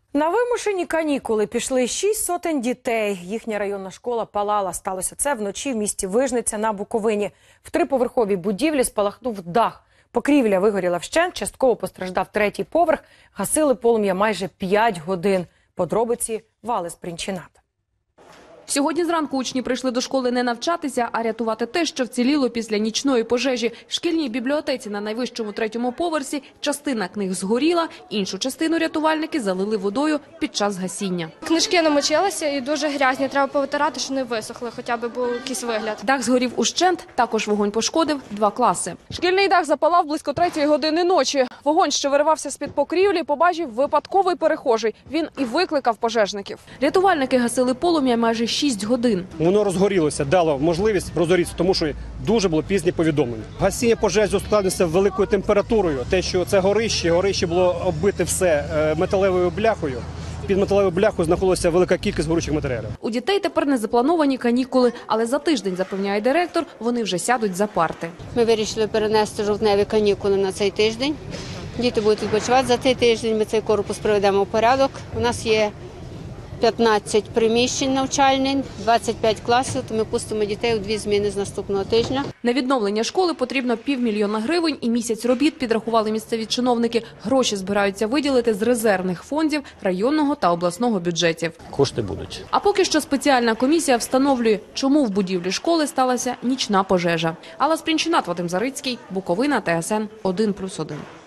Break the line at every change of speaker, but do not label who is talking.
На вимушені канікули пішли 6 сотень дітей. Їхня районна школа палала. Сталося це вночі в місті Вижниця на Буковині. В триповерховій будівлі спалахнув дах. Покрівля вигоріла вщент, частково постраждав третій поверх. Гасили полум'я майже 5 годин. Подробиці Вали Спрінчинат.
Сьогодні зранку учні прийшли до школи не навчатися, а рятувати те, що вціліло після нічної пожежі. В шкільній бібліотеці на найвищому третьому поверсі частина книг згоріла, іншу частину рятувальники залили водою під час гасіння.
Книжки намочилися і дуже грязні, треба повитирати, щоб не висохли, хоча б був якийсь вигляд.
Дах згорів ущент, також вогонь пошкодив 2 класи.
Шкільний дах запалав близько 3-ї години ночі. Вогонь, що виривався з-під покрівлі, побачив випадковий перехожий. Він і викликав пожежників.
Рятувальники гасили полум'я майже 6 годин.
Воно розгорілося, дало можливість розгорітися, тому що дуже було пізнє повідомлення. Гасіння пожежі ускладнилося великою температурою. Те, що це горище було оббите все металевою бляхою. Під металевою бляхою знаходилася велика кількість горючих матеріалів.
У дітей тепер не заплановані канікули, але за тиждень, запевняє директор, вони вже сядуть за парти.
Ми вирішили перенести жовтневі канікули на цей тиждень. Діти будуть відпочивати за цей тиждень, ми цей корпус приведемо в порядок. У нас є 15 приміщень навчальних, 25 класів, то ми пустимо дітей у 2 зміни з наступного тижня.
На відновлення школи потрібно 500 000 гривень і місяць робіт, підрахували місцеві чиновники. Гроші збираються виділити з резервних фондів районного та обласного бюджетів.
Кошти будуть.
А поки що спеціальна комісія встановлює, чому в будівлі школи сталася нічна пожежа. Алла Спрінчинат, Вадим Зарицький, Буковина, ТСН 1+1.